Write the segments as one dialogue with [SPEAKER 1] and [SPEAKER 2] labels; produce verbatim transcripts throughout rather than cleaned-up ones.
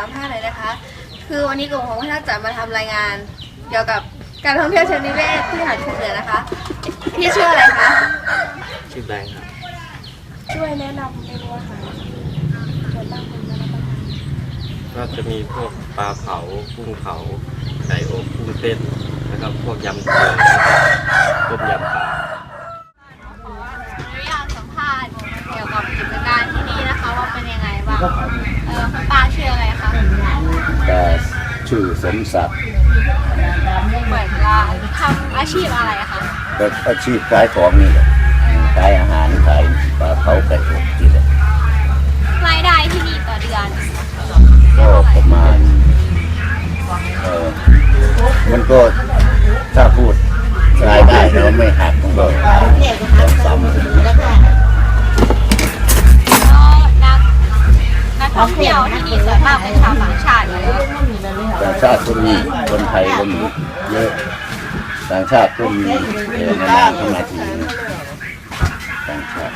[SPEAKER 1] สัมภาษณ์หน่อยนะคะ คือวันนี้กลุ่มของพวกท่านจะมาทำรายงานเกี่ยวกับการท่องเที่ยวเชิงนิเวศที่หาดคุ้งเหนือนะคะพี่ชื่ออะไรคะ
[SPEAKER 2] ชื่อแบงค์ครับ
[SPEAKER 1] ช่วยแนะนำเมนูอาหารส่วนบ้างคนมารับประทาน
[SPEAKER 2] ก็จะมีพวกปลาเผากุ้งเผาไก่อบกุ้งเต้นแล้วก็พวกยำเกลือต้มยำปลา
[SPEAKER 1] อยากสัมภาษณ์เกี่ยวกับกิจการที่นี่นะคะว่าเป็นยังไงบ้างเออคุณป้าชื่ออะไรคะ
[SPEAKER 3] แต่ชื่อสมศักดิ์
[SPEAKER 1] เหมือนว่าทำอาชีพอะไรคะ
[SPEAKER 3] ก็อาชีพขายของนี่แหละขายอาหารขายปลาเผาไก่อบนี่แหละ
[SPEAKER 1] รายได้ที่นี่ต่อเดือน
[SPEAKER 3] ก็ประมาณเออมันก็ถ้าพูดรายได้แล้วไม่หักมันก็ซ้ำ
[SPEAKER 1] นักท่องเที่ยวที่นี่ส่วนมากเป็นชาวต่างชาติเลย
[SPEAKER 3] ต่างชาติก็มีคนไทยก็มีเยอะต่างชาติก็มีเออนานๆเข้ามาถึงต่างชาติ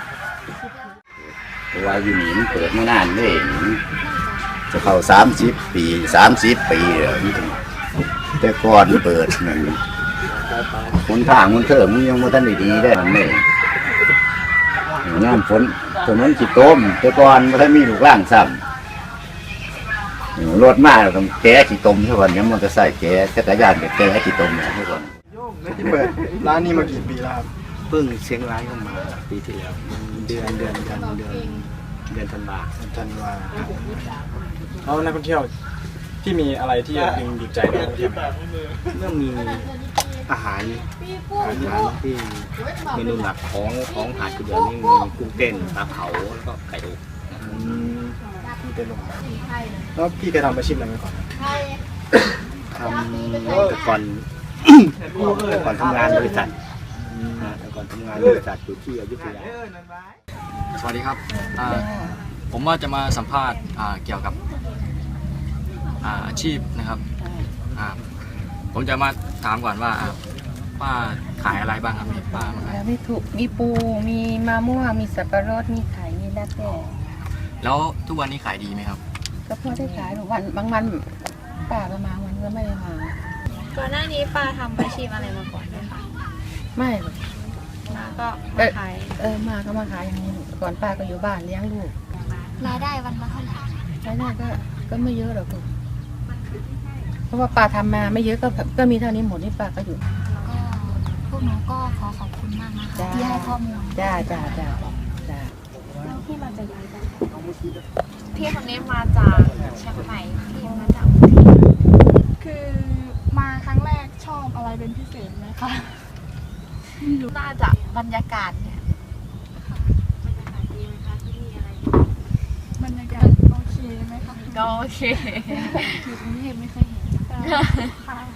[SPEAKER 3] เพราะว่าอยู่นี่มันเปิดไม่นานเลยจะเข้าสามสิบปีสามสิบปีแล้วแต่ก่อนเปิดนั่นคนทางมันเถิมยังไม่ทันได้ดีได้มันไม่น้ำฝนถนนขีดต้มแต่ก่อนมันได้มีลูกล่างซ้ำรถมากต้องแก้ขีดต้มทุกวันนี้มันจะใส่แก้จักรยานกับแก้ขีดต้มทุกวัน
[SPEAKER 4] ที่เปิดร้านนี้มากี่ปีแล้วครับ
[SPEAKER 2] เพิ่งเชียงรายเข้ามาปีที่แล้วเดือนเดือนเดือนเดือนเดือนธันวา
[SPEAKER 4] ธันวาแล้วนักท่องเที่ยวที่มีอะไรที่ดึงดูดใจนักท่องเที่ยว
[SPEAKER 2] เรื่องมีอาหารอาหารที่เมนูหลักของของหาดกุเดือนนี่มีกุ้งเต้นปลาเผาแล้วก็ไก่อบ
[SPEAKER 4] พี่เป็นลงแล้วพี่เคยทำอาชีพอะไรมาก่อน
[SPEAKER 2] ทำแต่ก่อนแต่ก่อนทำงานบริษัทแต่ก่อนทำงานบริษัทอยู่ที่อยุธยา
[SPEAKER 5] สวัสดีครับผมว่าจะมาสัมภาษณ์เกี่ยวกับอาชีพนะครับผมจะมาถามก่อนว่าป้าขายอะไรบ้างครับมีป้า
[SPEAKER 6] มีถูกมีปูมีมะม่วงมีสับปะรดมีไข่มีแล้วแต่
[SPEAKER 5] แล้วทุกวันนี้ขายดีไหมครับ
[SPEAKER 6] ก็พอได้ขายวันบางวันป้าก็มาวันก็ไม่ได้มา
[SPEAKER 1] ก่อนหน้านี้ป้าทำอาชีพอะไรมาก่อนไหมคะ
[SPEAKER 6] ไม่
[SPEAKER 1] มาก็มาขาย
[SPEAKER 6] เออมาก็มาขายอย่างนี้ก่อนป้าก็อยู่บ้านเลี้ยงลูก
[SPEAKER 1] รายได้วันละเท่าไหร่
[SPEAKER 6] รายได้ก็ก็ไม่เยอะหรอกเพราะว่าป้าทำมาไม่เยอะก็ก็มีเท่านี้หมดนี่ป้าก็อยู่
[SPEAKER 1] ก็พวกหนูก็ขอขอบคุณมากนะคะที่ให้ข้อมูล
[SPEAKER 6] จ้าจ้าจ้าจ้า
[SPEAKER 1] แล้วพี่มาจากไหนกันพี่คนนี้มาจากเชียงใหม่พี่มาจาก
[SPEAKER 7] คือมาครั้งแรกชอบอะไรเป็นพิเศษไหมคะ
[SPEAKER 1] น่าจะบรรยากาศเนี่ยบรรยากาศดีไหมคะที่นี่อะไร
[SPEAKER 7] บรรยากาศโอเคไหมคะ
[SPEAKER 1] ก็โอเค
[SPEAKER 7] อยู่กรุงเทพไม่เคยเห็นค่ะ